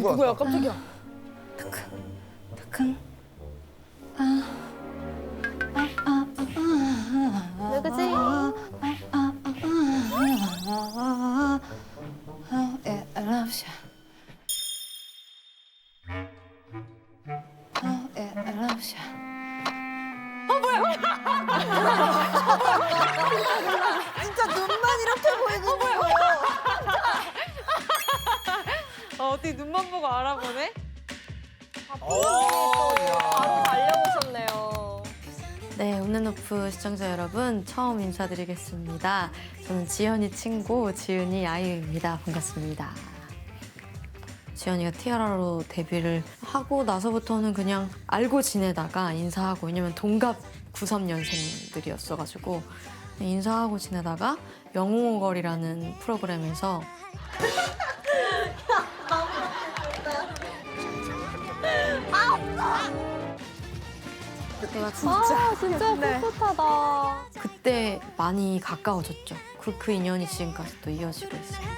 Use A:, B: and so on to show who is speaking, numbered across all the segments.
A: 것
B: 누구야?
A: 같다.
B: 깜짝이야.
C: 탁흥.
B: 누구지?
C: 진짜 눈만 이렇게 보이는 거예요.
B: 어디 눈만 보고 알아보네?
D: 바로 달려오셨네요.
E: 네, 온앤오프 시청자 여러분 처음 인사드리겠습니다. 저는 지연이 친구 지은이 아이유입니다. 반갑습니다. 지연이가 티아라로 데뷔를 하고 나서부터는 그냥 알고 지내다가 인사하고, 왜냐면 동갑 93년생들이었어가지고 인사하고 지내다가 영웅거리라는 프로그램에서 내가 진짜
D: 진짜 풋풋하다.
E: 그때 많이 가까워졌죠. 그 인연이 지금까지 또 이어지고 있어요.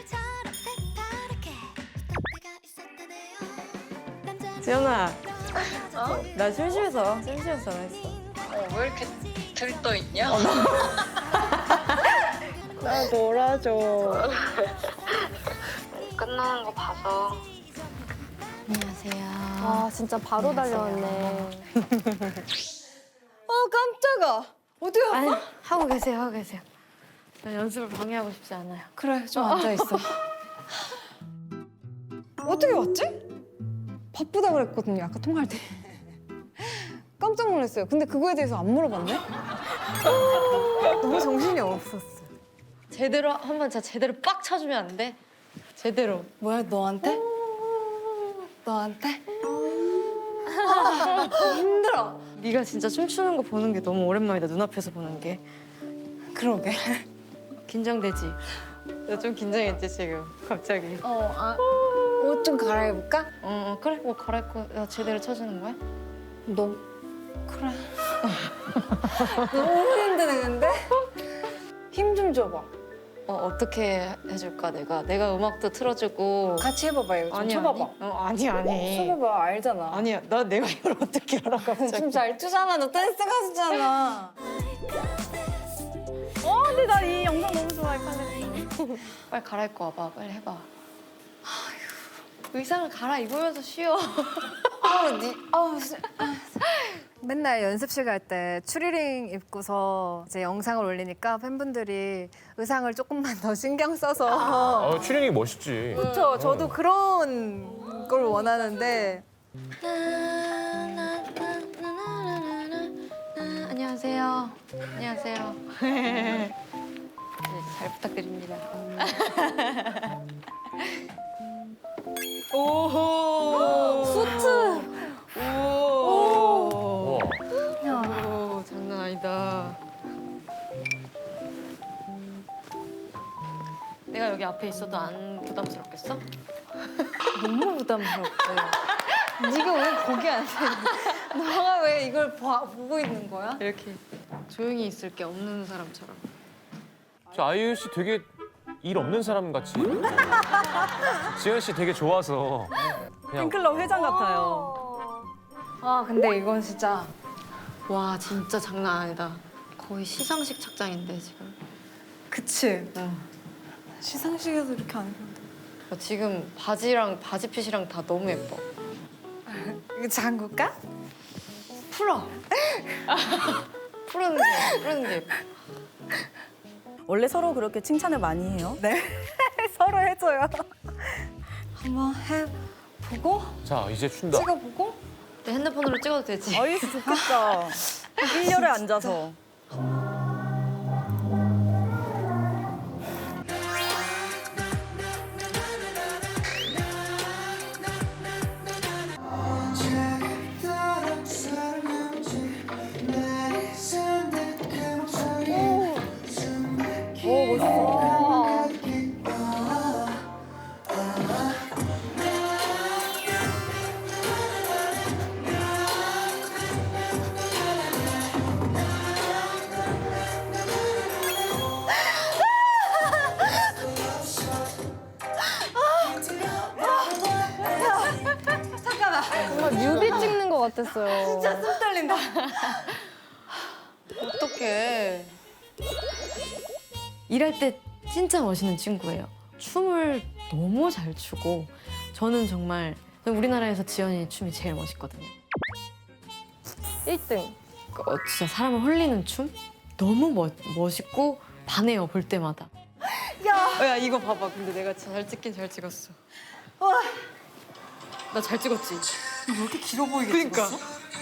B: 지연아, 나 심심해서 전화했어.
F: 왜 이렇게 들떠있냐?
B: 나 놀아줘.
F: 끝나는 거 봐서.
E: 안녕하세요.
D: 아, 진짜 바로 달려왔네.
C: 깜짝아. 어디 가?
E: 아니, 하고 계세요. 전 연습을 방해하고 싶지 않아요.
C: 그래, 좀 앉아있어. 어떻게 왔지? 바쁘다 그랬거든요, 아까 통화할 때. 깜짝 놀랐어요. 근데 그거에 대해서 안 물어봤네? 너무 정신이 없었어.
E: 제대로 한번 진짜 제대로 빡 쳐주면 안 돼? 제대로.
C: 뭐야, 너한테? 너한테? 힘들어.
E: 네가 진짜 춤추는 거 보는 게 너무 오랜만이다. 눈앞에서 보는 게.
C: 그러게.
E: 긴장되지? 나 좀 긴장했지 지금 갑자기.
C: 옷 좀 갈아입을까?
E: 그래, 뭐 갈아입고 야, 제대로 쳐주는 거야?
C: 너 그래. 너무 힘드네 근데. 힘 좀 줘봐.
E: 어떻게 해줄까 내가 음악도 틀어주고.
C: 같이 해봐봐 이거 좀 쳐봐봐.
E: 아니.
C: 쳐봐봐 알잖아.
E: 아니야, 내가 이걸 어떻게 알아 갑자기?
C: 춤 잘 추잖아. 너 댄스 가수잖아.
D: 근데 나 이 영상 너무 좋아해, 빨리.
E: 빨리 갈아입고 와봐, 빨리 해봐. 의상을 갈아입으면서 쉬어.
C: 맨날 연습실 갈 때 추리닝 입고서 이제 영상을 올리니까 팬분들이 의상을 조금만 더 신경 써서
A: 추리닝이 멋있지.
C: 그렇죠. 저도 그런 걸 원하는데
E: 안녕하세요. 네, 잘 부탁드립니다.
B: 오호.
C: 수트.
B: 오.
A: 우와.
E: 오, 장난 아니다. 내가 여기 앞에 있어도 안 부담스럽겠어?
C: 너무 부담스럽대. 네가 왜 거기 앉아 있는 너가 왜 이걸 보고 있는 거야?
E: 이렇게 조용히 있을 게 없는 사람처럼.
A: 저 아이유 씨 되게 일 없는 사람 같이. 지현 씨 되게 좋아서 그냥
B: 팬클럽 회장 같아요.
C: 아 근데 이건 진짜
E: 와, 진짜 장난 아니다. 거의 시상식 착장인데 지금.
C: 그치? 시상식에서 이렇게 안 입는데
E: 지금 바지랑 바지핏이랑 다 너무 예뻐.
C: 이거 잠글까?
E: 풀어. 푸르는 게 예뻐.
B: 원래 서로 그렇게 칭찬을 많이 해요?
C: 네 서로 해줘요 한번 해보고
A: 자 이제 춘다.
C: 찍어보고
E: 내 핸드폰으로 찍어도 되지?
B: 아이스 좋겠다. 일렬에 앉아서.
D: 오, 멋있어. 같았어요.
B: 진짜 숨 떨린다.
E: 어떡해. 일할 때 진짜 멋있는 친구예요. 춤을 너무 잘 추고 저는 정말 우리나라에서 지연이 춤이 제일 멋있거든요.
D: 1등.
E: 진짜 사람을 홀리는 춤? 너무 멋있고 반해요, 볼 때마다. 야, 이거 봐봐. 근데 내가 진짜 잘 찍긴 잘 찍었어. 나 잘 찍었지?
B: 왜 이렇게 길어 보이게
E: 그러니까.
B: 찍었어?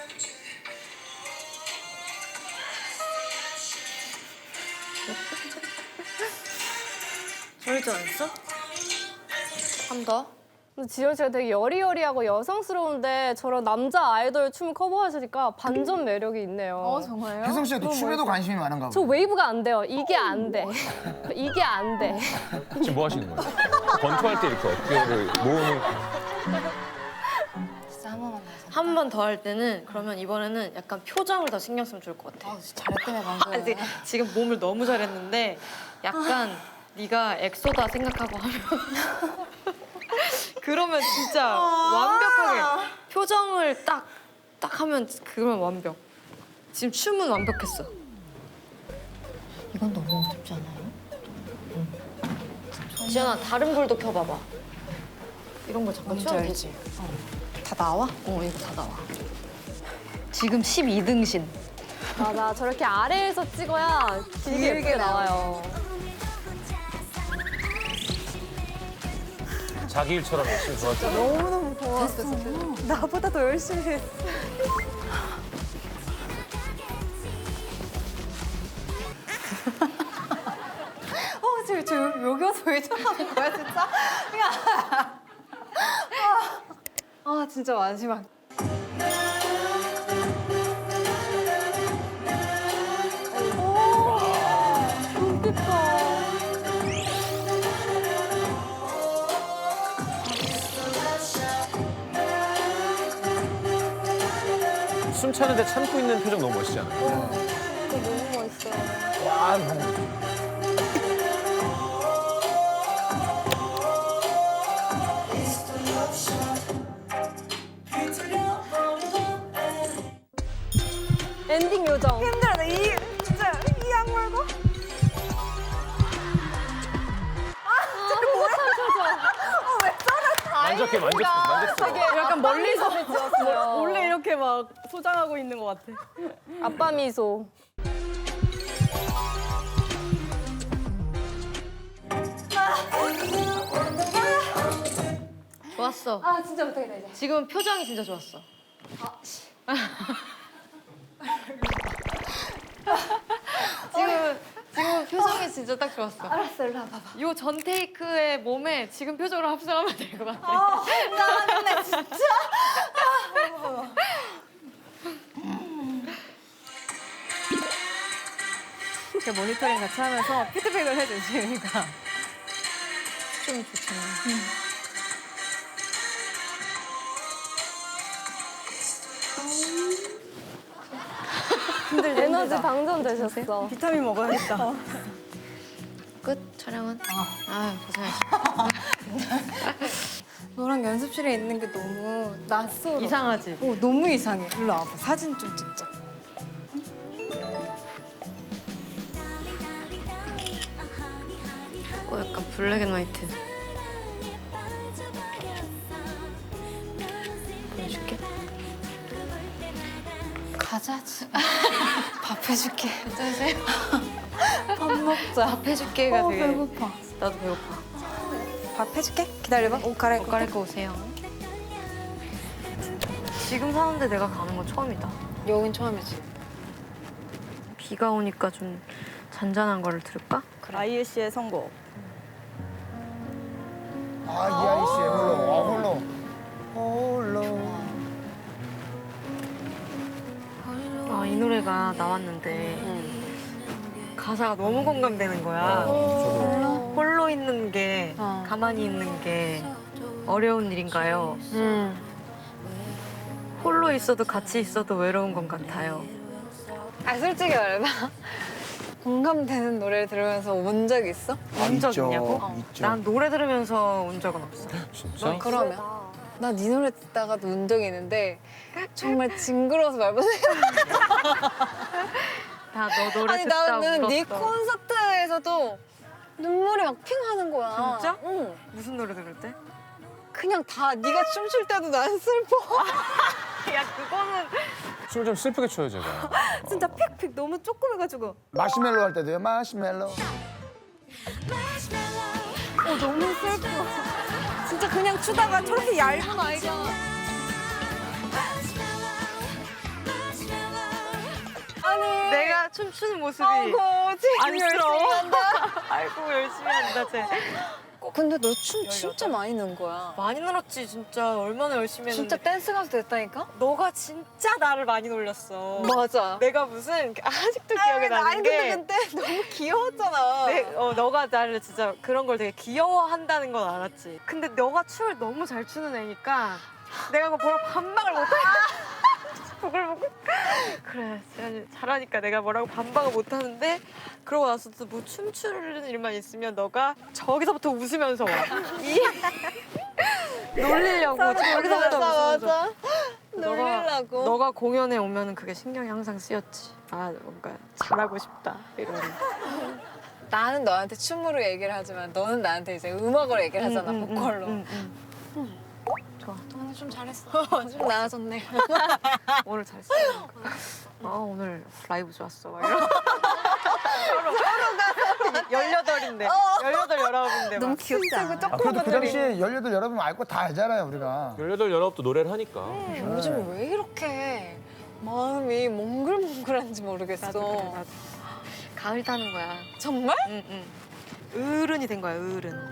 B: 저럴 줄 알았어?
E: 한 더?
D: 근데 지연 씨가 되게 여리여리하고 여성스러운데 저런 남자 아이돌 춤 커버하시니까 반전 매력이 있네요.
C: 정말요?
G: 혜성 씨가 또 춤에도 관심이 많은가
D: 저
G: 보다.
D: 웨이브가 안 돼요. 이게 안 돼. 이게 안 돼.
A: 지금 뭐 하시는 거예요? 권투할 때 이렇게 어깨를 모으는.
C: 진짜 한 번만 더.
E: 한 번 더 할 때는 그러면 이번에는 약간 표정을 더 신경 쓰면 좋을 것 같아.
C: 잘했다며 방금.
E: 아니, 지금 몸을 너무 잘했는데 약간 네가 엑소다 생각하고 하면 그러면 진짜 완벽하게 표정을 딱 하면 그러면 완벽. 지금 춤은 완벽했어.
C: 이건 너무 어렵지 않아요?
E: 지연아 다른 불도 켜봐봐. 이런 거 잠깐
C: 뭔지
E: 치워도
C: 알지?
E: 되지?
C: 다 나와?
E: 이거 다 나와. 지금 12등신.
D: 맞아. 저렇게 아래에서 찍어야 길게 예쁘게 나와요.
A: 자기 일처럼 열심히 도와줘.
C: 너무너무 고마웠어.
D: 나보다 더 열심히 했어.
B: 저 여기 와서 왜 저러는 거야 진짜?
C: 진짜 마지막.
A: 숨 차는데 참고 있는 표정 너무 멋있지 않아요?
D: 너무 멋있어요.
G: 와,
D: 엔딩 요정.
B: 힘들어. 진짜 이 악물고.
A: 만졌어.
B: 약간 멀리서
D: 찍었어요.
B: 원래 이렇게 막 소장하고 있는 것 같아.
D: 아빠 미소.
E: 좋았어.
C: 진짜 못하겠다 이제.
E: 지금 표정이 진짜 좋았어. 지금 표정이 진짜 딱 좋았어.
C: 알았어, 일로 와봐봐.
E: 요 전 테이크의 몸에 지금 표정으로 합성하면 될 것 같아.
B: 나는 진짜. 제 모니터링 같이 하면서 피드백을 해주시니까
E: 좀 좋잖아.
D: 에너지 방전되셨어.
B: 비타민 먹어야겠다.
E: 끝 촬영은? 고생했어.
C: 너랑 연습실에 있는 게 너무 낯설어.
E: 이상하지?
C: 너무 이상해. 일로 와봐. 사진 좀 찍자.
E: 약간 블랙 앤 화이트. 보여줄게.
C: 가자. 밥 해줄게.
E: 괜찮으세요?
C: 밥 먹자.
E: 밥 해줄게가 되게.
C: 배고파.
E: 나도 배고파.
C: 밥 해줄게. 기다려봐. 옷 갈아입고.
E: 옷 갈아입고 오세요. 지금 사는데 내가 가는 건 처음이다.
C: 여긴 처음이지.
E: 비가 오니까 좀 잔잔한 거를 들을까?
B: 아이유 씨의 선곡.
G: 이하이 씨의 홀로. 홀로.
E: 이 노래가 나왔는데 가사가 너무 공감되는 거야. 홀로 있는 게 가만히 있는 게 어려운 일인가요? 홀로 있어도 같이 있어도 외로운 것 같아요.
C: 솔직히 말해봐. 공감되는 노래를 들으면서 운 적 있어?
E: 운 적 있냐고?
G: 있죠.
E: 난 노래 들으면서 운 적은 없어.
A: 진짜?
C: 그러면? 나 네 노래 듣다가도 운 적이 있는데 정말 징그러워서 말 못해.
E: 다 너 노래
C: 아니
E: 듣다
C: 나는 네
E: 울었어.
C: 콘서트에서도 눈물이 막 핑하는 거야.
E: 진짜?
C: 응.
E: 무슨 노래 들을 때?
C: 그냥 다 네가 춤출 때도 난 슬퍼.
E: 야 그거는
A: 춤을 좀 슬프게 춰요 제가.
B: 진짜 픽픽 너무 조그매가지고.
G: 마시멜로 할 때도요. 마시멜로.
B: 너무 슬퍼. 진짜 그냥 추다가 저렇게 얇은 아이가.
C: 아니
E: 내가 춤추는 모습이
C: 아이고 지금 열심히 한다.
E: 아이고 열심히 한다 쟤.
C: 근데 너 춤 진짜 많이 는 거야.
E: 많이 늘었지 진짜 얼마나 열심히 했는데.
C: 진짜 댄스 가수 됐다니까?
E: 너가 진짜 나를 많이 놀렸어.
C: 맞아.
E: 내가 무슨 아직도 기억에 나는
C: 아니
E: 게
C: 근데 너무 귀여웠잖아.
E: 너가 나를 진짜 그런 걸 되게 귀여워한다는 건 알았지. 근데 너가 춤을 너무 잘 추는 애니까 내가 그거 보러 반박을 못해. 그걸 보고 그래 재현이 잘하니까 내가 뭐라고 반박을 못하는데 그러고 나서 또 뭐 춤추는 일만 있으면 너가 저기서부터 웃으면서 와. 놀리려고 저기서부터 웃으면서.
C: 맞아. 놀리려고.
E: 너가 공연에 오면은 그게 신경이 항상 쓰였지. 아 뭔가 잘하고 싶다 이런.
C: 나는 너한테 춤으로 얘기를 하지만 너는 나한테 이제 음악으로 얘기를 하잖아, 보컬로.
E: 좋아.
C: 오늘 좀 잘했어. 좀 나아졌네.
E: 오늘 잘했어. 오늘 라이브 좋았어. 막 이런. 서로가 18인데 18, 19인데
C: 너무 귀엽다.
G: 아, 그래도 그 당시에 18 여러분 알고 다 알잖아요 우리가.
A: 18, 19도 노래를 하니까.
C: 요즘 왜 이렇게 마음이 몽글몽글한지 모르겠어.
E: 나도. 가을 타는 거야.
C: 정말?
E: 응. 어른이 된 거야, 어른.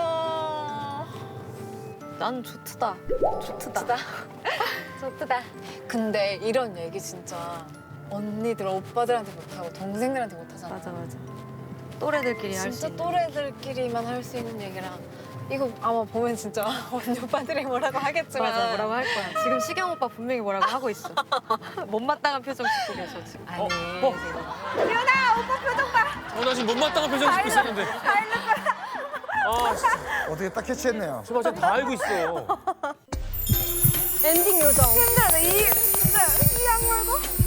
E: 난 좋트다. 좋트다.
C: 좋다. 근데 이런 얘기 진짜 언니들, 오빠들한테 못하고 동생들한테 못하잖아.
E: 맞아. 또래들끼리 할 수
C: 진짜
E: 있는.
C: 또래들끼리만 할 수 있는 얘기랑 이거 아마 보면 진짜 언니 오빠들이 뭐라고 하겠지만
E: 맞아, 뭐라고 할 거야. 지금 시경 오빠 분명히 뭐라고 하고 있어. 못마땅한 표정 짓고 계셔, 지금.
C: 아니
A: 나 지금 못마땅한 표정 짓고 있었는데. 아 진짜.
G: 어떻게 딱 캐치했네요.
A: 저 맞아 다 알고 있어.
C: 엔딩 요정.
B: 힘들어. 이 진짜 이 악물고.